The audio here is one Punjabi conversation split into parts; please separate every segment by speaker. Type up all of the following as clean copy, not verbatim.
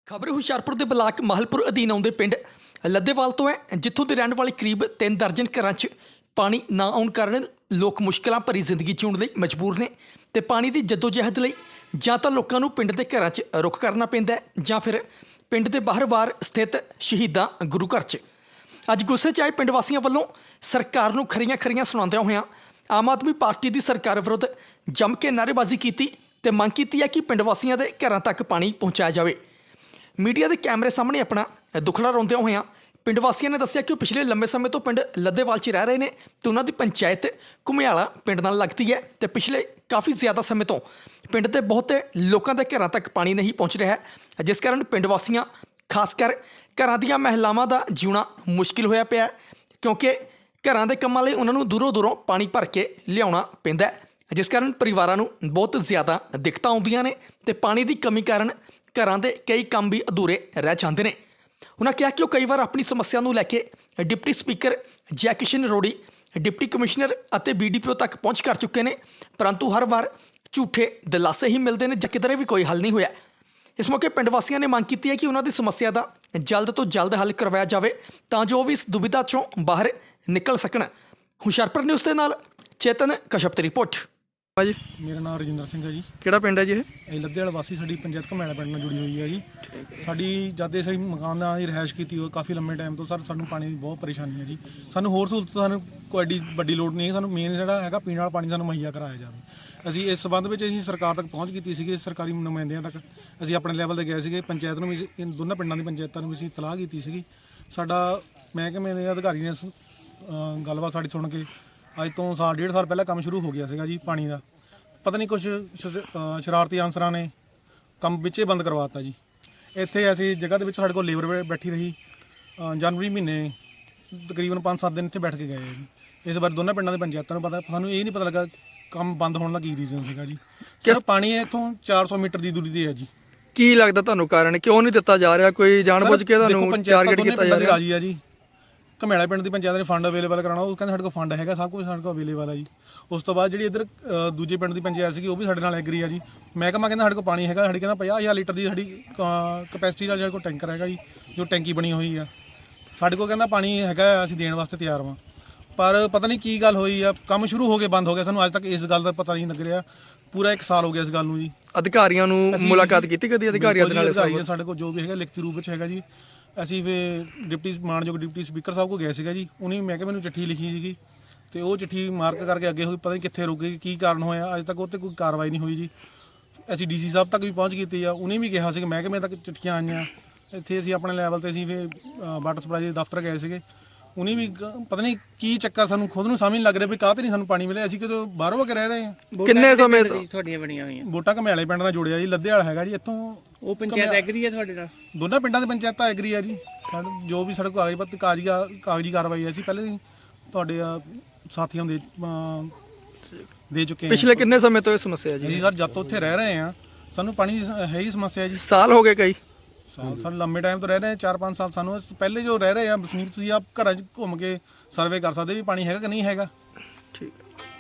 Speaker 1: ਖਬਰ ਹੁਸ਼ਿਆਰਪੁਰ ਦੇ ਬਲਾਕ ਮਾਹਲਪੁਰ ਅਧੀਨ ਆਉਂਦੇ ਪਿੰਡ ਲੱਦੇਵਾਲ ਤੋਂ ਹੈ, ਜਿੱਥੋਂ ਦੇ ਰਹਿਣ ਵਾਲੇ ਕਰੀਬ 3 ਦਰਜਨ ਘਰਾਂ 'ਚ ਪਾਣੀ ਨਾ ਆਉਣ ਕਾਰਨ ਲੋਕ ਮੁਸ਼ਕਲਾਂ ਭਰੀ ਜ਼ਿੰਦਗੀ ਜਿਉਣ ਲਈ ਮਜਬੂਰ ਨੇ ਤੇ ਪਾਣੀ ਦੀ ਜਦੋਜਹਿਦ ਲਈ ਜਾਂ ਤਾਂ ਲੋਕਾਂ ਨੂੰ ਪਿੰਡ ਦੇ ਘਰਾਂ 'ਚ ਰੁੱਖ ਕਰਨਾ ਪੈਂਦਾ ਹੈ ਜਾਂ ਫਿਰ ਪਿੰਡ ਦੇ ਬਾਹਰ ਸਥਿਤ ਸ਼ਹੀਦਾਂ ਗੁਰੂ ਘਰ 'ਚ। ਅੱਜ ਗੁੱਸੇ 'ਚ ਆਏ ਪਿੰਡ ਵਾਸੀਆਂ ਵੱਲੋਂ ਸਰਕਾਰ ਨੂੰ ਖਰੀਆਂ ਸੁਣਾਉਂਦਿਆਂ ਹੋਇਆਂ ਆਮ ਆਦਮੀ ਪਾਰਟੀ ਦੀ ਸਰਕਾਰ ਵਿਰੁੱਧ ਜੰਮ ਕੇ ਨਾਅਰੇਬਾਜ਼ੀ ਕੀਤੀ ਤੇ ਮੰਗ ਕੀਤੀ ਹੈ ਕਿ ਪਿੰਡ ਵਾਸੀਆਂ ਦੇ ਘਰਾਂ ਤੱਕ ਪਾਣੀ ਪਹੁੰਚਾਇਆ ਜਾਵੇ। ਮੀਡੀਆ ਦੇ ਕੈਮਰੇ ਸਾਹਮਣੇ ਆਪਣਾ ਦੁੱਖੜਾ ਰੋਂਦਿਆਂ ਹੋਇਆਂ ਪਿੰਡ ਵਾਸੀਆਂ ਨੇ ਦੱਸਿਆ ਕਿ ਉਹ ਪਿਛਲੇ ਲੰਬੇ ਸਮੇਂ ਤੋਂ ਪਿੰਡ ਲੱਦੇਵਾਲ 'ਚ ਰਹਿ ਰਹੇ ਨੇ ਤੇ ਉਹਨਾਂ ਦੀ ਪੰਚਾਇਤ ਘੁਮਿਆਲਾ ਪਿੰਡ ਨਾਲ ਲੱਗਦੀ ਹੈ ਤੇ ਪਿਛਲੇ ਕਾਫੀ ਜ਼ਿਆਦਾ ਸਮੇਂ ਤੋਂ ਪਿੰਡ ਦੇ ਬਹੁਤੇ ਲੋਕਾਂ ਦੇ ਘਰਾਂ ਤੱਕ ਪਾਣੀ ਨਹੀਂ ਪਹੁੰਚ ਰਿਹਾ ਹੈ, ਜਿਸ ਕਾਰਨ ਪਿੰਡ ਵਾਸੀਆਂ ਖਾਸ ਕਰ ਘਰਾਂ ਦੀਆਂ ਮਹਿਲਾਵਾਂ ਦਾ ਜਿਉਣਾ ਮੁਸ਼ਕਿਲ ਹੋਇਆ ਪਿਆ ਕਿਉਂਕਿ ਘਰਾਂ ਦੇ ਕੰਮਾਂ ਲਈ ਉਹਨਾਂ ਨੂੰ ਦੂਰੋਂ ਪਾਣੀ ਭਰ ਕੇ ਲਿਆਉਣਾ ਪੈਂਦਾ ਹੈ, ਜਿਸ ਕਾਰਨ ਪਰਿਵਾਰਾਂ ਨੂੰ ਬਹੁਤ ਜ਼ਿਆਦਾ ਦਿੱਕਤਾਂ ਆਉਂਦੀਆਂ ਨੇ ਤੇ ਪਾਣੀ ਦੀ ਕਮੀ ਕਾਰਨ ਘਰਾਂ ਦੇ ਕਈ ਕੰਮ ਵੀ ਅਧੂਰੇ ਰਹਿ ਜਾਂਦੇ ਨੇ। ਉਹਨਾਂ ਕਿਹਾ ਕਿ ਉਹ ਕਈ ਵਾਰ ਆਪਣੀ ਸਮੱਸਿਆ ਨੂੰ ਲੈ ਕੇ deputy speaker Jai Kishan Rori, deputy commissioner ਅਤੇ BDPO ਤੱਕ ਪਹੁੰਚ ਕਰ ਚੁੱਕੇ ਨੇ, ਪਰੰਤੂ ਹਰ ਵਾਰ ਝੂਠੇ ਦਿਲਾਸੇ ਹੀ ਮਿਲਦੇ ਨੇ ਜਾਂ ਕਿਧਰੇ ਵੀ ਕੋਈ ਹੱਲ ਨਹੀਂ ਹੋਇਆ। ਇਸ ਮੌਕੇ ਪਿੰਡ ਵਾਸੀਆਂ ਨੇ ਮੰਗ ਕੀਤੀ ਹੈ ਕਿ ਉਹਨਾਂ ਦੀ ਸਮੱਸਿਆ ਦਾ ਜਲਦ ਤੋਂ ਜਲਦ ਹੱਲ ਕਰਵਾਇਆ ਜਾਵੇ ਤਾਂ ਜੋ ਉਹ ਵੀ ਇਸ ਦੁਬਿਧਾ 'ਚੋਂ ਬਾਹਰ ਨਿਕਲ ਸਕਣ। ਹੁਸ਼ਿਆਰਪੁਰ ਨਿਊਜ਼ ਦੇ ਨਾਲ ਚੇਤਨ ਕਸ਼ਪ ਦੀ ਰਿਪੋਰਟ।
Speaker 2: ਜੀ
Speaker 3: ਮੇਰਾ ਨਾਮ ਰਜਿੰਦਰ ਸਿੰਘ ਹੈ ਜੀ।
Speaker 2: ਕਿਹੜਾ ਪਿੰਡ ਹੈ ਜੀ
Speaker 3: ਇਹ ਲੱਦੇਵਾਲ ਵਾਸੀ, ਸਾਡੀ ਪੰਚਾਇਤ ਘੁਮਿਆਲਾ ਪਿੰਡ ਨਾਲ ਜੁੜੀ ਹੋਈ ਹੈ ਜੀ। ਸਾਡੀ ਜਦ ਦੇ ਅਸੀਂ ਮਕਾਨਾਂ ਦੀ ਰਿਹਾਇਸ਼ ਕੀਤੀ ਹੋਈ ਕਾਫੀ ਲੰਮੇ ਟਾਈਮ ਤੋਂ ਸਾਨੂੰ ਪਾਣੀ ਦੀ ਬਹੁਤ ਪਰੇਸ਼ਾਨੀ ਹੈ ਜੀ। ਸਾਨੂੰ ਹੋਰ ਸਹੂਲਤ ਸਾਨੂੰ ਕੋਈ ਐਡੀ ਵੱਡੀ ਲੋੜ ਨਹੀਂ ਹੈ, ਸਾਨੂੰ ਮੇਨ ਜਿਹੜਾ ਹੈਗਾ ਪੀਣ ਵਾਲਾ ਪਾਣੀ ਸਾਨੂੰ ਮੁਹੱਈਆ ਕਰਾਇਆ ਜਾਵੇ। ਅਸੀਂ ਇਸ ਸੰਬੰਧ ਵਿੱਚ ਅਸੀਂ ਸਰਕਾਰ ਤੱਕ ਪਹੁੰਚ ਕੀਤੀ ਸੀਗੀ, ਸਰਕਾਰੀ ਨੁਮਾਇੰਦਿਆਂ ਤੱਕ ਅਸੀਂ ਆਪਣੇ ਲੈਵਲ 'ਤੇ ਗਏ ਸੀਗੇ, ਪੰਚਾਇਤ ਨੂੰ ਵੀ ਦੋਨਾਂ ਪਿੰਡਾਂ ਦੀ ਪੰਚਾਇਤਾਂ ਨੂੰ ਵੀ ਅਸੀਂ ਇਤਲਾਹ ਕੀਤੀ ਸੀਗੀ। ਸਾਡਾ ਮਹਿਕਮੇ ਦੇ ਅਧਿਕਾਰੀ ਨੇ ਗੱਲਬਾਤ ਸਾਡੀ ਸੁਣ ਕੇ ਅੱਜ ਤੋਂ ਸਾਲ 1.5 ਸਾਲ ਪਹਿਲਾਂ ਕੰਮ ਸ਼ੁਰੂ ਹੋ ਗਿਆ ਸੀਗਾ ਜੀ ਪਾਣੀ ਦਾ। ਪਤਾ ਨਹੀਂ ਕੁਛ ਸ਼ਰਾਰਤੀ ਅਨਸਰਾਂ ਨੇ ਕੰਮ ਵਿੱਚੇ ਬੰਦ ਕਰਵਾਤਾ ਜੀ। ਇੱਥੇ ਅਸੀਂ ਜਗ੍ਹਾ ਦੇ ਵਿੱਚ ਸਾਡੇ ਕੋਲ ਲੇਬਰ ਬੈਠੀ ਰਹੀ, ਜਨਵਰੀ ਮਹੀਨੇ ਤਕਰੀਬਨ 5-7 ਦਿਨ ਇੱਥੇ ਬੈਠ ਕੇ ਗਏ ਜੀ। ਇਸ ਵਾਰ ਦੋਨਾਂ ਪਿੰਡਾਂ ਦੇ ਪੰਚਾਇਤਾਂ ਨੂੰ ਪਤਾ, ਸਾਨੂੰ ਇਹ ਨਹੀਂ ਪਤਾ ਲੱਗਾ ਕੰਮ ਬੰਦ ਹੋਣ ਦਾ ਕੀ ਰੀਜ਼ਨ ਸੀਗਾ ਜੀ। ਸਿਰਫ ਪਾਣੀ ਇੱਥੋਂ 400 ਮੀਟਰ ਦੀ ਦੂਰੀ 'ਤੇ ਹੈ ਜੀ।
Speaker 2: ਕੀ ਲੱਗਦਾ ਤੁਹਾਨੂੰ ਕਾਰਨ ਕਿਉਂ ਨਹੀਂ ਦਿੱਤਾ ਜਾ ਰਿਹਾ? ਕੋਈ ਜਾਣਬੁੱਝ ਕੇ ਤੁਹਾਨੂੰ ਟਾਰਗੇਟ ਕੀਤਾ ਜਾ ਰਿਹਾ?
Speaker 3: ਰਾਜੀ ਆ ਜੀ। ਘੁਮਿਆਲਾ ਪਿੰਡ ਦੀ ਪੰਚਾਇਤ ਨੇ ਫੰਡ ਅਵੇਲੇਬਲ ਕਰਾਉਣਾ, ਉਹ ਕਹਿੰਦੇ ਸਾਡੇ ਕੋਲ ਫੰਡ ਹੈਗਾ, ਸਭ ਕੁਝ ਸਾਡੇ ਕੋਲ ਅਵੇਲੇਬਲ ਆ ਜੀ। ਉਸ ਤੋਂ ਬਾਅਦ ਜਿਹੜੀ ਇੱਧਰ ਦੂਜੇ ਪਿੰਡ ਦੀ ਪੰਚਾਇਤ ਸੀਗੀ ਉਹ ਵੀ ਸਾਡੇ ਨਾਲ ਐਗਰੀ ਆ ਜੀ। ਮਹਿਕਮਾ ਕਹਿੰਦਾ ਸਾਡੇ ਕੋਲ ਪਾਣੀ ਹੈਗਾ, ਸਾਡੀ ਕਹਿੰਦਾ 50,000 ਲੀਟਰ ਦੀ ਸਾਡੀ ਕਪੈਸਿਟੀ ਦਾ ਜਿਹੜਾ ਕੋਲ ਟੈਂਕਰ ਹੈਗਾ ਜੀ, ਜੋ ਟੈਂਕੀ ਬਣੀ ਹੋਈ ਆ ਸਾਡੇ ਕੋਲ, ਕਹਿੰਦਾ ਪਾਣੀ ਹੈਗਾ, ਅਸੀਂ ਦੇਣ ਵਾਸਤੇ ਤਿਆਰ ਹਾਂ। ਪਰ ਪਤਾ ਨਹੀਂ ਕੀ ਗੱਲ ਹੋਈ ਆ, ਕੰਮ ਸ਼ੁਰੂ ਹੋ ਕੇ ਬੰਦ ਹੋ ਗਿਆ। ਸਾਨੂੰ ਅੱਜ ਤੱਕ ਇਸ ਗੱਲ ਦਾ ਪਤਾ ਨਹੀਂ ਲੱਗ ਰਿਹਾ। ਪੂਰਾ 1 ਸਾਲ ਹੋ ਗਿਆ ਇਸ ਗੱਲ ਨੂੰ ਜੀ।
Speaker 2: ਅਧਿਕਾਰੀਆਂ ਨੂੰ ਮੁਲਾਕਾਤ ਕੀਤੀ ਕਦੀ ਅਧਿਕਾਰੀਆਂ ਦੇ ਨਾਲ?
Speaker 3: ਸਾਡੇ ਕੋਲ ਜੋ ਵੀ ਹੈਗਾ ਲਿਖਤੀ ਰੂਪ ਵਿੱਚ ਹੈਗਾ ਜੀ। ਅਸੀਂ ਫਿਰ ਮਾਨਯੋਗ ਡਿਪਟੀ ਸਪੀਕਰ ਸਾਹਿਬ ਕੋਲ ਗਏ ਸੀਗਾ ਜੀ। ਉਹਨੇ ਮਹਿਕਮੇ ਨੂੰ ਚਿੱਠੀ ਲਿਖੀ ਸੀਗੀ ਤੇ ਉਹ ਚਿੱਠੀ ਮਾਰਕ ਕਰਕੇ ਅੱਗੇ ਹੋਈ, ਪਤਾ ਨਹੀਂ ਕਿੱਥੇ ਰੁਕ ਗਈ, ਕੀ ਕਾਰਨ ਹੋਇਆ, ਅੱਜ ਤੱਕ ਉਹ 'ਤੇ ਕੋਈ ਕਾਰਵਾਈ ਨਹੀਂ ਹੋਈ ਜੀ। ਅਸੀਂ DC ਸਾਹਿਬ ਤੱਕ ਵੀ ਪਹੁੰਚ ਕੀਤੀ ਆ, ਉਹਨੇ ਵੀ ਕਿਹਾ ਸੀ ਕਿ ਮਹਿਕਮੇ ਤੱਕ ਚਿੱਠੀਆਂ ਆਈਆਂ। ਇੱਥੇ ਅਸੀਂ ਆਪਣੇ ਲੈਵਲ 'ਤੇ ਅਸੀਂ ਫਿਰ ਵਾਟਰ ਸਪਲਾਈ ਦੇ ਦਫ਼ਤਰ ਗਏ ਸੀਗੇ, ਉਹਨੇ ਵੀ ਪਤਾ ਨਹੀਂ ਕੀ ਚੱਕਰ, ਸਾਨੂੰ ਖੁਦ ਨੂੰ ਸਮਝ ਨਹੀਂ ਲੱਗ ਰਿਹਾ ਵੀ ਕਾਹਤੇ ਨਹੀਂ ਸਾਨੂੰ ਪਾਣੀ ਮਿਲਿਆ। ਅਸੀਂ ਕਿਤੇ ਬਾਹਰੋਂ ਕੇ ਰਹਿ ਰਹੇ ਹਾਂ।
Speaker 2: ਕਿੰਨੇ ਸਮੇਂ ਤੋਂ
Speaker 4: ਤੁਹਾਡੀਆਂ ਬਣੀਆਂ ਹੋਈਆਂ
Speaker 3: ਵੋਟਾਂ ਘੁਮਿਆਲੇ ਪਿੰਡ ਨਾਲ ਜੁੜਿਆ ਜੀ, ਲੱਦੇਵਾਲ ਹੈਗਾ ਜੀ। ਇੱਥੋਂ
Speaker 4: ਉਹ ਪੰਚਾਇਤ ਐਗਰੀ ਹੈ ਤੁਹਾਡੇ ਨਾਲ?
Speaker 3: ਦੋਨਾਂ ਪਿੰਡਾਂ ਦੇ ਪੰਚਾਇਤਾਂ ਐਗਰੀ ਆ ਜੀ। ਜੋ ਵੀ ਸਾਡੇ ਕੋਲ ਕਾਗਜ਼ੀ ਕਾਰਵਾਈ ਹੈ, ਅਸੀਂ ਪਹਿਲੇ ਹੀ ਤੁਹਾਡੇ ਸਾਥੀਆਂ ਦੇ ਚੁੱਕੇ ਹਾਂ।
Speaker 2: ਪਿਛਲੇ ਕਿੰਨੇ ਸਮੇਂ ਤੋਂ ਇਹ ਸਮੱਸਿਆ ਜੀ?
Speaker 3: ਜੀ ਸਰ, ਜਦ ਤੋਂ ਉੱਥੇ ਰਹਿ ਰਹੇ ਹਾਂ ਸਾਨੂੰ ਪਾਣੀ ਦੀ ਹੈ ਹੀ ਸਮੱਸਿਆ ਜੀ।
Speaker 2: ਸਾਲ ਹੋ ਗਏ ਕਈ
Speaker 3: ਸਾਨੂੰ ਲੰਮੇ ਟਾਈਮ ਤੋਂ ਰਹਿ ਰਹੇ 4-5 ਸਾਲ। ਸਾਨੂੰ ਪਹਿਲੇ ਜੋ ਰਹਿ ਰਹੇ ਆ ਵਸਨੀਕ, ਤੁਸੀਂ ਆਪ ਘਰਾਂ 'ਚ ਘੁੰਮ ਕੇ ਸਰਵੇ ਕਰ ਸਕਦੇ ਵੀ ਪਾਣੀ ਹੈਗਾ ਕਿ ਨਹੀਂ ਹੈਗਾ।
Speaker 2: ਠੀਕ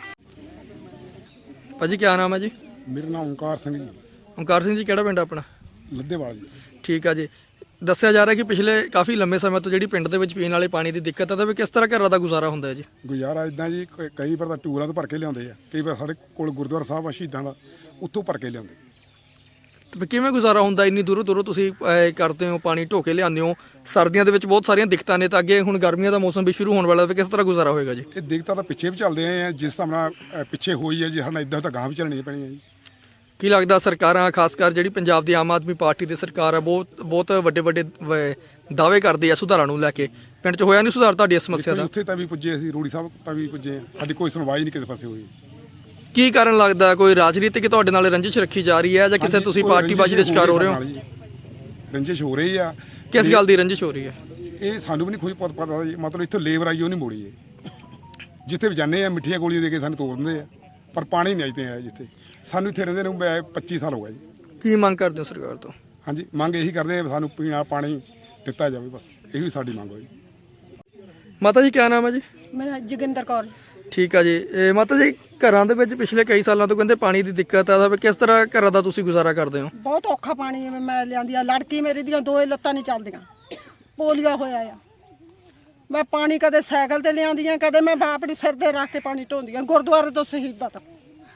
Speaker 2: ਭਾਜੀ, ਕੀ ਨਾਮ ਹੈ ਜੀ?
Speaker 5: ਮੇਰਾ ਨਾਮ ਓਂਕਾਰ ਸਿੰਘ ਜੀ।
Speaker 2: ਓਂਕਾਰ ਸਿੰਘ ਜੀ, ਕਿਹੜਾ ਪਿੰਡ ਆਪਣਾ?
Speaker 5: ਲੱਦੇਵਾਲ ਜੀ।
Speaker 2: ਠੀਕ ਆ ਜੀ। ਦੱਸਿਆ ਜਾ ਰਿਹਾ ਕਿ ਪਿਛਲੇ ਕਾਫੀ ਲੰਬੇ ਸਮੇਂ ਤੋਂ ਜਿਹੜੀ ਪਿੰਡ ਦੇ ਵਿੱਚ ਪੀਣ ਵਾਲੇ ਪਾਣੀ ਦੀ ਦਿੱਕਤ ਹੈ, ਤਾਂ ਵੀ ਕਿਸ ਤਰ੍ਹਾਂ ਘਰਾਂ ਦਾ ਗੁਜ਼ਾਰਾ ਹੁੰਦਾ ਹੈ ਜੀ?
Speaker 5: ਗੁਜ਼ਾਰਾ ਇਦਾਂ ਜੀ, ਕਈ ਵਾਰ ਤਾਂ ਟੂਰਾਂ ਤੋਂ ਭਰ ਕੇ ਲਿਆਉਂਦੇ ਆ, ਕਈ ਵਾਰ ਸਾਡੇ ਕੋਲ ਗੁਰਦੁਆਰਾ ਸਾਹਿਬ ਆ ਸ਼ਹੀਦਾਂ ਦਾ, ਉੱਥੋਂ ਭਰ ਕੇ ਲਿਆਉਂਦੇ।
Speaker 2: ਤੇ ਕਿਵੇਂ ਗੁਜ਼ਾਰਾ ਹੁੰਦਾ? ਇੰਨੀ ਦੂਰੋਂ ਤੁਸੀਂ ਕਰਦੇ ਹੋ, ਪਾਣੀ ਢੋ ਕੇ ਲਿਆਉਂਦੇ ਹੋ। ਸਰਦੀਆਂ ਦੇ ਵਿੱਚ ਬਹੁਤ ਸਾਰੀਆਂ ਦਿੱਕਤਾਂ ਨੇ, ਤਾਂ ਅੱਗੇ ਹੁਣ ਗਰਮੀਆਂ ਦਾ ਮੌਸਮ ਵੀ ਸ਼ੁਰੂ ਹੋਣ ਵਾਲਾ ਹੈ, ਕਿਸ ਤਰ੍ਹਾਂ ਗੁਜ਼ਾਰਾ ਹੋਏਗਾ ਜੀ?
Speaker 5: ਇਹ ਦਿੱਕਤਾਂ ਤਾਂ ਪਿੱਛੇ ਵੀ ਚੱਲਦੇ ਆਏ ਆ, ਜਿਸ ਹਿਸਾਬ ਨਾਲ ਪਿੱਛੇ ਹੋਈ ਹੈ ਜੀ, ਸਾਡਾ ਇਦਾਂ ਤਾਂ ਗਾਂ ਵੀ ਚੱਲਣੀ ਪੈਣੀ ਹੈ ਜੀ।
Speaker 2: ਕੀ ਲੱਗਦਾ ਸਰਕਾਰਾਂ, ਖਾਸ ਕਰ ਜਿਹੜੀ ਪੰਜਾਬ ਦੀ ਆਮ ਆਦਮੀ ਪਾਰਟੀ ਦੀ ਸਰਕਾਰ ਹੈ, ਬਹੁਤ ਵੱਡੇ ਦਾਅਵੇ ਕਰਦੀ ਹੈ ਸੁਧਾਰਾਂ ਨੂੰ ਲੈ ਕੇ, ਪਿੰਡ 'ਚ ਹੋਇਆ ਨਹੀਂ ਸੁਧਾਰ ਤੁਹਾਡੀ ਇਸ ਸਮੱਸਿਆ ਦਾ?
Speaker 5: ਉੱਥੇ ਤਾਂ ਵੀ ਪੁੱਜੇ, ਅਸੀਂ ਰੋੜੀ ਸਾਹਿਬ ਤਾਂ ਵੀ ਪੁੱਜੇ, ਸਾਡੀ ਕੋਈ ਸੁਣਵਾਈ ਨਹੀਂ ਕਿਸੇ ਪਾਸੇ ਹੋਈ।
Speaker 2: ਕੀ ਕਾਰਨ ਲੱਗਦਾ? ਕੋਈ ਰਾਜਨੀਤਿਕ ਤੁਹਾਡੇ ਨਾਲ ਰੰਜਿਸ਼ ਰੱਖੀ ਜਾ ਰਹੀ ਹੈ ਜਾਂ ਕਿਸੇ ਤੁਸੀਂ ਪਾਰਟੀਬਾਜ਼ੀ ਦੇ ਸ਼ਿਕਾਰ ਹੋ ਰਹੇ ਹੋ?
Speaker 5: ਰੰਜਿਸ਼ ਹੋ ਰਹੀ ਆ।
Speaker 2: ਕਿਸ ਗੱਲ ਦੀ ਰੰਜਿਸ਼ ਹੋ ਰਹੀ ਹੈ?
Speaker 5: ਇਹ ਸਾਨੂੰ ਵੀ ਨਹੀਂ ਕੋਈ ਪਤਾ ਜੀ। ਮਤਲਬ ਇੱਥੇ ਲੇਬਰ ਆਈ ਉਹ ਨਹੀਂ ਮੋੜੀ ਹੈ। ਜਿੱਥੇ ਵੀ ਜਾਂਦੇ ਆ ਮਿੱਠੀਆਂ ਗੋਲੀਆਂ ਦੇ ਕੇ ਸਾਨੂੰ ਤੋੜ ਦਿੰਦੇ ਆ, ਪਰ ਪਾਣੀ ਨਹੀਂ ਅਜੇ ਆਇਆ ਜਿੱਥੇ। ਸਾਨੂੰ ਇੱਥੇ ਰਹਿੰਦੇ ਨੂੰ 25 ਸਾਲ ਹੋ ਗਏ ਜੀ।
Speaker 2: ਕੀ ਮੰਗ ਕਰਦੇ ਹੋ ਸਰਕਾਰ ਤੋਂ?
Speaker 5: ਹਾਂਜੀ, ਮੰਗ ਇਹੀ ਕਰਦੇ ਆ ਸਾਨੂੰ ਪੀਣਾ ਪਾਣੀ ਦਿੱਤਾ ਜਾਵੇ, ਬਸ ਇਹੀ ਸਾਡੀ ਮੰਗ ਹੋਈ।
Speaker 2: ਮਾਤਾ ਜੀ, ਕੀ ਨਾਮ ਹੈ ਜੀ?
Speaker 6: ਮੇਰਾ ਜੋਗਿੰਦਰ ਕੌਰ।
Speaker 2: ਠੀਕ ਆ ਜੀ। ਇਹ ਮਾਤਾ ਜੀ ਘਰਾਂ ਦੇ ਵਿੱਚ ਪਿਛਲੇ ਕਈ ਸਾਲਾਂ ਤੋਂ ਕਹਿੰਦੇ ਪਾਣੀ ਦੀ ਦਿੱਕਤ ਆ, ਤਾਂ ਕਿਸ ਤਰ੍ਹਾਂ ਘਰਾਂ ਦਾ ਤੁਸੀਂ ਗੁਜ਼ਾਰਾ ਕਰਦੇ ਹੋ?
Speaker 6: ਬਹੁਤ ਔਖਾ ਪਾਣੀ ਮੈਂ ਲਿਆਂਦੀ ਆ। ਲੜਕੀ ਮੇਰੀ ਦੀਆਂ ਦੋਏ ਲੱਤਾਂ ਨਹੀਂ ਚੱਲਦੀਆਂ, ਪੋਲੀਓ ਹੋਇਆ ਆ। ਮੈਂ ਪਾਣੀ ਕਦੇ ਸਾਈਕਲ ਤੇ ਲਿਆਂਦੀ ਆ, ਕਦੇ ਮੈਂ ਆਪਣੀ ਸਿਰ ਤੇ ਰੱਖ ਕੇ ਪਾਣੀ ਢੋਂਦੀ ਆ ਗੁਰਦੁਆਰੇ ਤੋਂ ਸ਼ਹੀਦਾਂ ਤੱਕ।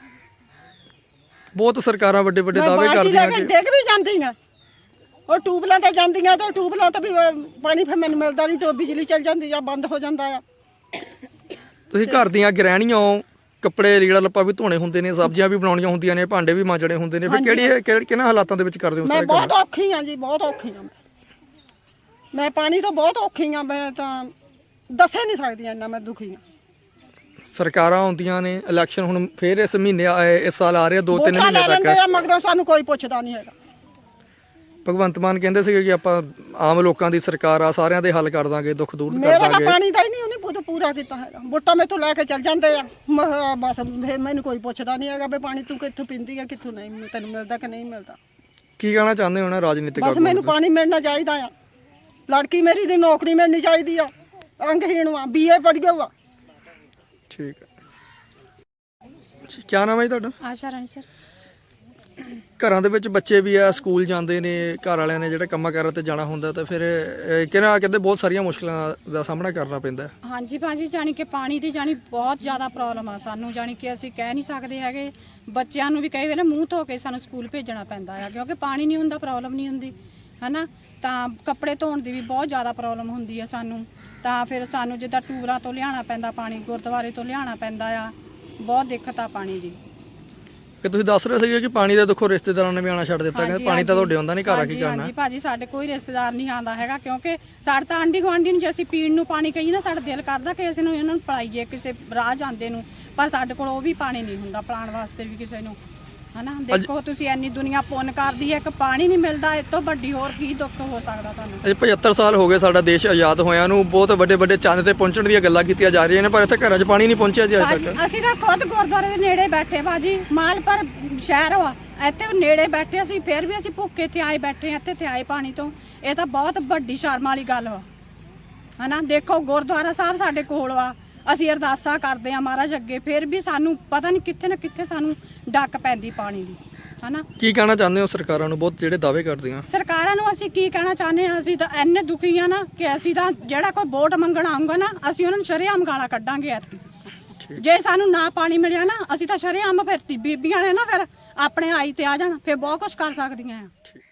Speaker 2: ਬਹੁਤ ਸਰਕਾਰਾਂ ਵੱਡੇ ਵੱਡੇ
Speaker 6: ਮੈਂ
Speaker 2: ਦਾਅਵੇ
Speaker 6: ਬਾਲਟੀ ਲੈ
Speaker 2: ਕਰਦੀਆਂ
Speaker 6: ਕੇ
Speaker 2: ਕਿ
Speaker 6: ਡਿੱਗ ਵੀ ਜਾਂਦੀਆਂ, ਉਹ ਟਿਊਬਲਾਂ ਤੇ ਜਾਂਦੀਆਂ ਤੇ ਟਿਊਬਲਾਂ ਤੋਂ ਵੀ ਪਾਣੀ ਫਿਰ ਮੈਨੂੰ ਮਿਲਦਾ ਨਹੀਂ, ਬਿਜਲੀ ਚੱਲ ਜਾਂਦੀ ਆ, ਬੰਦ ਹੋ ਜਾਂਦਾ ਆ।
Speaker 2: ਤੁਸੀਂ ਘਰ ਦੀਆਂ ਗ੍ਰਹਿਣੀਆਂ ਹੋ, ਕੱਪੜੇ ਲੀੜਾ ਲੱਪਾ ਵੀ ਧੋਣੇ ਹੁੰਦੇ ਨੇ, ਸਬਜ਼ੀਆਂ ਵੀ ਬਣਾਉਣੀਆਂ ਹੁੰਦੀਆਂ ਨੇ, ਭਾਂਡੇ ਵੀ ਮਾਂਜਣੇ ਹੁੰਦੇ ਨੇ, ਫਿਰ ਕਿਹਨਾਂ ਹਾਲਾਤਾਂ ਦੇ ਵਿੱਚ ਕਰਦੇ ਹੋ
Speaker 6: ਮੈਂ
Speaker 2: ਸਾਰੇ
Speaker 6: ਬਹੁਤ ਔਖੀ ਆ ਜੀ, ਬਹੁਤ ਔਖੀ ਆ ਮੈਂ ਪਾਣੀ ਤੋਂ ਬਹੁਤ ਔਖੀ ਆ। ਮੈਂ ਤਾਂ ਦੱਸੇ ਨਹੀਂ ਸਕਦੀ ਇੰਨਾ ਮੈਂ ਦੁਖੀ ਆ।
Speaker 2: ਸਰਕਾਰਾਂ ਆਉਂਦੀਆਂ ਨੇ, ਇਲੈਕਸ਼ਨ ਹੁਣ ਫੇਰ ਇਸ ਮਹੀਨੇ ਇਸ ਸਾਲ ਆ ਰਿਹਾ 2-3
Speaker 6: ਵੋਟਾਂ
Speaker 2: ਮਹੀਨੇ
Speaker 6: ਲੈ ਲੈਂਦੇ
Speaker 2: ਤੱਕ।
Speaker 6: ਆ, ਮਗਰੋਂ ਸਾਨੂੰ ਕੋਈ ਪੁੱਛਦਾ ਨਹੀਂ ਹੈਗਾ।
Speaker 2: ਭਗਵੰਤ ਮਾਨ ਕਹਿੰਦੇ ਸੀਗੇ ਕਿ ਆਪਾਂ ਆਮ ਲੋਕਾਂ ਦੀ ਸਰਕਾਰ ਆ, ਸਾਰਿਆਂ ਦੇ ਹੱਲ ਕਰ ਦਾਂਗੇ, ਦੁੱਖ ਦੂਰ ਕਰ
Speaker 6: ਮੇਰਾ ਤਾਂ
Speaker 2: ਦਾਂਗੇ।
Speaker 6: ਪਾਣੀ ਦਾ ਹੀ ਨਹੀਂ ਉਹਨੇ ਪੂਰਾ ਕੀਤਾ ਹੈਗਾ। ਵੋਟਾਂ ਮੈਥੋਂ ਲੈ ਕੇ ਚੱਲ ਜਾਂਦੇ ਆ, ਬਸ ਫਿਰ ਮੈਨੂੰ ਕੋਈ ਪੁੱਛਦਾ ਨਹੀਂ ਹੈਗਾ ਵੀ ਪਾਣੀ ਤੂੰ ਕਿੱਥੋਂ ਪੀਂਦੀ ਆ, ਕਿੱਥੋਂ ਨਹੀਂ, ਤੈਨੂੰ ਮਿਲਦਾ ਕਿ ਨਹੀਂ ਮਿਲਦਾ।
Speaker 2: ਕੀ ਕਹਿਣਾ ਚਾਹੁੰਦੇ ਹੋ ਨਾ ਰਾਜਨੀਤਿਕ
Speaker 6: ਬਸ
Speaker 2: ਆਗੂਆਂ
Speaker 6: ਮੈਨੂੰ
Speaker 2: ਨੂੰ?
Speaker 6: ਪਾਣੀ ਮਿਲਣਾ ਚਾਹੀਦਾ ਆ। ਲੜਕੀ ਮੇਰੀ ਦੀ ਨੌਕਰੀ ਮਿਲਣੀ ਚਾਹੀਦੀ ਆ, ਅੰਗਹੀਣ ਆ, BA ਪੜ੍ਹ ਗਿਆ ਵਾ।
Speaker 2: ਠੀਕ ਹੈ। ਕੀ ਨਾਮ ਹੈ ਜੀ ਤੁਹਾਡਾ?
Speaker 7: ਆਸ਼ਾ ਰਾਣੀ ਸਰ।
Speaker 2: ਘਰਾਂ ਦੇ ਵਿੱਚ ਬੱਚੇ ਵੀ ਆ, ਸਕੂਲ ਜਾਂਦੇ ਨੇ, ਘਰ ਵਾਲਿਆਂ ਨੇ ਜਿਹੜੇ ਕੰਮਾਂ ਕਾਰਾਂ ਤੇ ਜਾਣਾ ਹੁੰਦਾ, ਤਾਂ ਫਿਰ ਕਹਿੰਦੇ ਬਹੁਤ ਸਾਰੀਆਂ ਮੁਸ਼ਕਲਾਂ ਦਾ ਸਾਹਮਣਾ ਕਰਨਾ ਪੈਂਦਾ।
Speaker 7: ਹਾਂਜੀ ਭਾਜੀ, ਜਾਣੀ ਕਿ ਪਾਣੀ ਦੀ ਬਹੁਤ ਜ਼ਿਆਦਾ ਪ੍ਰੋਬਲਮ ਆ ਸਾਨੂੰ, ਜਾਣੀ ਕਿ ਅਸੀਂ ਕਹਿ ਨਹੀਂ ਸਕਦੇ ਹੈਗੇ। ਬੱਚਿਆਂ ਨੂੰ ਵੀ ਕਈ ਵੇਲੇ ਮੂੰਹ ਧੋ ਕੇ ਸਾਨੂੰ ਸਕੂਲ ਭੇਜਣਾ ਪੈਂਦਾ ਆ, ਕਿਉਂਕਿ ਪਾਣੀ ਨਹੀਂ ਹੁੰਦਾ, ਪ੍ਰੋਬਲਮ ਨਹੀਂ ਹੁੰਦੀ ਹਨਾ। ਤਾਂ ਕੱਪੜੇ ਧੋਣ ਦੀ ਵੀ ਬਹੁਤ ਜ਼ਿਆਦਾ ਪ੍ਰੋਬਲਮ ਹੁੰਦੀ ਆ ਸਾਨੂੰ। ਤਾਂ ਫਿਰ ਸਾਨੂੰ ਜਿੱਦਾਂ ਟੂਰਾਂ ਤੋਂ ਲਿਆਉਣਾ ਪੈਂਦਾ ਪਾਣੀ, ਗੁਰਦੁਆਰੇ ਤੋਂ ਲਿਆਉਣਾ ਪੈਂਦਾ ਆ, ਬਹੁਤ ਦਿੱਕਤ ਆ ਪਾਣੀ ਦੀ।
Speaker 2: ਕਿ ਤੁਸੀਂ ਦੱਸ ਰਹੇ ਸੀਗੇ ਕਿ ਪਾਣੀ ਦਾ ਦੇਖੋ ਰਿਸ਼ਤੇਦਾਰਾਂ ਨੇ ਵੀ ਆਉਣਾ ਛੱਡ ਦਿੱਤਾ, ਕਹਿੰਦੇ ਪਾਣੀ ਤਾਂ ਤੁਹਾਡੇ ਆਉਂਦਾ ਨਹੀਂ, ਘਰ ਆ ਕੀ ਕਰਨਾ?
Speaker 7: ਹਾਂਜੀ ਭਾਜੀ, ਸਾਡੇ ਕੋਈ ਰਿਸ਼ਤੇਦਾਰ ਨਹੀਂ ਆਉਂਦਾ ਹੈਗਾ, ਕਿਉਂਕਿ ਸਾਡੇ ਤਾਂ ਆਂਢੀ ਗੁਆਂਢੀ ਨੂੰ ਜੇ ਅਸੀਂ ਪੀਣ ਨੂੰ ਪਾਣੀ ਕਹੀਏ ਨਾ, ਸਾਡਾ ਦਿਲ ਕਰਦਾ ਕਿ ਅਸੀਂ ਨੂੰ ਇਹਨਾਂ ਨੂੰ ਪਿਲਾਈਏ ਕਿਸੇ ਰਾਹ ਜਾਂਦੇ ਨੂੰ, ਪਰ ਸਾਡੇ ਕੋਲ ਉਹ ਵੀ ਪਾਣੀ ਨਹੀਂ ਹੁੰਦਾ ਪਿਲਾਉਣ ਵਾਸਤੇ ਵੀ ਕਿਸੇ ਨੂੰ ਹਨਾ। ਦੇਖੋ ਤੁਸੀਂ, ਇੰਨੀ ਦੁਨੀਆ ਪੁੰਨ ਕਰਦੀ ਹੈ ਕਿ ਪਾਣੀ ਨਹੀਂ ਮਿਲਦਾ, ਇਸ ਤੋਂ ਵੱਡੀ ਹੋਰ ਕੀ ਦੁੱਖ ਹੋ ਸਕਦਾ ਸਾਨੂੰ।
Speaker 2: ਅਜੇ 75 ਸਾਲ ਹੋ ਗਏ ਸਾਡਾ ਦੇਸ਼ ਆਜ਼ਾਦ ਹੋਇਆ ਨੂੰ, ਬਹੁਤ ਵੱਡੇ ਵੱਡੇ ਚੰਦ ਤੇ ਪਹੁੰਚਣ ਦੀਆਂ ਗੱਲਾਂ ਕੀਤੀਆਂ ਜਾ ਰਹੀਆਂ ਨੇ, ਪਰ ਇੱਥੇ ਘਰਾਂ 'ਚ ਪਾਣੀ ਨਹੀਂ ਪਹੁੰਚਿਆ ਜੀ ਅਜੇ ਤੱਕ।
Speaker 7: ਅਸੀਂ ਤਾਂ ਖੁਦ ਗੁਰਦੁਆਰੇ ਦੇ ਨੇੜੇ ਬੈਠੇ ਭਾਜੀ, ਮਾਲਪੁਰ ਸ਼ਹਿਰ ਵਾ, ਇੱਥੇ ਨੇੜੇ ਬੈਠੇ ਅਸੀਂ, ਫਿਰ ਵੀ ਅਸੀਂ ਭੁੱਖੇ ਤੇ ਆਏ ਬੈਠੇ ਇੱਥੇ ਤੇ ਆਏ ਪਾਣੀ ਤੋਂ। ਇਹ ਤਾਂ ਬਹੁਤ ਵੱਡੀ ਸ਼ਰਮ ਵਾਲੀ ਗੱਲ ਵਾ ਹਨਾ। ਦੇਖੋ ਗੁਰਦੁਆਰਾ ਸਾਹਿਬ ਸਾਡੇ ਕੋਲ ਵਾ, ਅਸੀਂ ਅਰਦਾਸਾਂ ਕਰਦੇ ਆ ਮਹਾਰਾਜ ਅੱਗੇ, ਫਿਰ ਵੀ ਸਾਨੂੰ ਪਤਾ ਨਹੀਂ ਕਿੱਥੇ ਨਾ ਕਿੱਥੇ ਸਾਨੂੰ ਡੱਕ ਪੈਂਦੀ ਪਾਣੀ ਦੀ ਹਨਾ।
Speaker 2: ਕੀ ਕਹਿਣਾ ਚਾਹੁੰਦੇ ਹੋ ਸਰਕਾਰਾਂ ਨੂੰ, ਬਹੁਤ ਜਿਹੜੇ ਦਾਅਵੇ ਕਰਦੀਆਂ?
Speaker 7: ਸਰਕਾਰਾਂ ਨੂੰ ਅਸੀਂ ਕੀ ਕਹਿਣਾ ਚਾਹੁੰਦੇ ਹਾਂ, ਅਸੀਂ ਤਾਂ ਇੰਨੇ ਦੁਖੀ ਆ ਨਾ ਕਿ ਅਸੀਂ ਤਾਂ ਜਿਹੜਾ ਕੋਈ ਵੋਟ ਮੰਗਣ ਆਊਗਾ ਨਾ, ਅਸੀਂ ਉਹਨਾਂ ਨੂੰ ਸ਼ਰੇਆਮ ਗਾਲਾਂ ਕੱਢਾਂਗੇ ਐਤਕੀ। ਜੇ ਸਾਨੂੰ ਨਾ ਪਾਣੀ ਮਿਲਿਆ ਨਾ, ਅਸੀਂ ਤਾਂ ਸ਼ਰੇਆਮ ਫਿਰ ਬੀਬੀਆਂ ਨੇ ਨਾ ਫਿਰ ਆਪਣੇ ਆਈ ਤੇ ਆ ਜਾਣ, ਫਿਰ ਬਹੁਤ ਕੁਝ ਕਰ ਸਕਦੀਆਂ ਆ।